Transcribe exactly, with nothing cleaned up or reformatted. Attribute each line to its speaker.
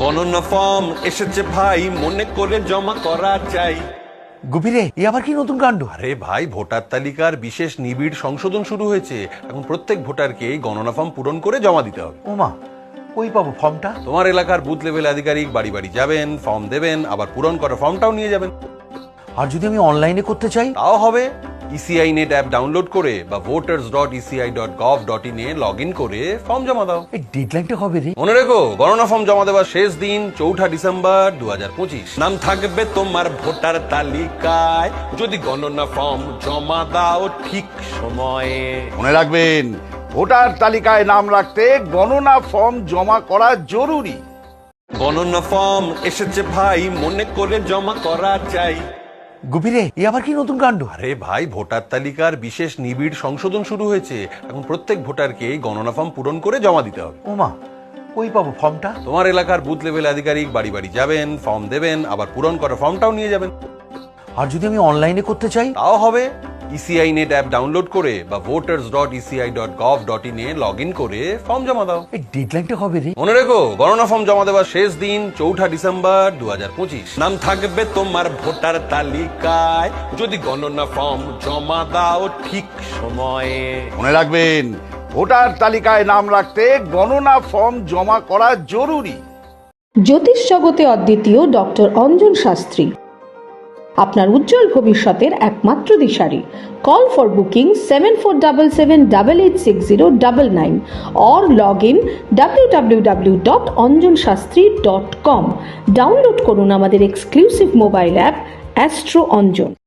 Speaker 1: গণনা ফর্ম এসেছে ভাই, মনে করে জমা করা চাই।
Speaker 2: গুপিরে এ আবার কি নতুন কাণ্ড?
Speaker 1: আরে ভাই, ভোটার তালিকার বিশেষ নিবিড় সংশোধন শুরু হয়েছে। এখন প্রত্যেক ভোটারকে গণনা ফর্ম পূরণ করে জমা দিতে হবে।
Speaker 2: ওমা, কই পাবো ফর্মটা?
Speaker 1: তোমার এলাকার বুথ লেভেল আধিকারিক বাড়ি বাড়ি যাবেন, ফর্ম দেবেন, আবার পূরণ করা ফর্মটাও নিয়ে যাবেন।
Speaker 2: আর যদি আমি অনলাইনে করতে চাই?
Speaker 1: তাও হবে। ইসিআই নেট অ্যাপ ডাউনলোড করে বা voters dot ECI dot gov dot in এ লগ ইন করে ফর্ম জমা দাও।
Speaker 2: এই ডেডলাইনটা কবে রে?
Speaker 1: মনে রেখো, গণনা ফর্ম জমা দেওয়ার শেষ দিন চৌঠা ডিসেম্বর দু হাজার পঁচিশ। নাম থাকবে তোমার ভোটার তালিকায় যদি গণনা ফর্ম জমা দাও ঠিক সময়ে।
Speaker 3: মনে রাখবেন, ভোটার তালিকায় নাম রাখতে গণনা ফর্ম জমা করা জরুরি।
Speaker 1: গণনা ফর্ম এসেছে ভাই, মনে করে জমা করা চাই।
Speaker 2: গুপিরে এ আবার কি নতুন কাণ্ড?
Speaker 1: আরে ভাই, ভোটার তালিকার বিশেষ নিবিড় সংশোধন শুরু হয়েছে। এখন প্রত্যেক ভোটারকে গণনা ফর্ম পূরণ করে জমা দিতে হবে।
Speaker 2: ওমা, কই পাবো ফর্মটা?
Speaker 1: তোমার এলাকার বুথ লেভেল আধিকারিক বাড়ি বাড়ি যাবেন, ফর্ম দেবেন, আবার পূরণ করা ফর্মটাও নিয়ে যাবেন।
Speaker 2: আর যদি আমি অনলাইনে করতে চাই?
Speaker 1: তাও হবে। ইসিআই নেট অ্যাপ ডাউনলোড করে বা voters dot ECI dot gov dot in এ লগ ইন করে ফর্ম জমা দাও।
Speaker 2: এই ডেডলাইনটা কবে রে?
Speaker 1: মনে রেখো, গণনা ফর্ম জমা দেওয়ার শেষ দিন চৌঠা ডিসেম্বর দু হাজার পঁচিশ। নাম থাকবে তোমার ভোটার তালিকায় যদি গণনা ফর্ম জমা দাও ঠিক সময়ে।
Speaker 3: মনে রাখবেন, ভোটার তালিকায় নাম রাখতে গণনা ফর্ম জমা করা জরুরি।
Speaker 4: জ্যোতিষ জগতে অদ্বিতীয় ডক্টর অঞ্জন শাস্ত্রী, আপনার উজ্জ্বল ভবিষ্যতের একমাত্র দিশারি। Call for booking seven four seven seven double eight six zero double nine or log in W W W dot Anjan Shastri dot com. Download করুন আমাদের exclusive mobile app astro Anjan.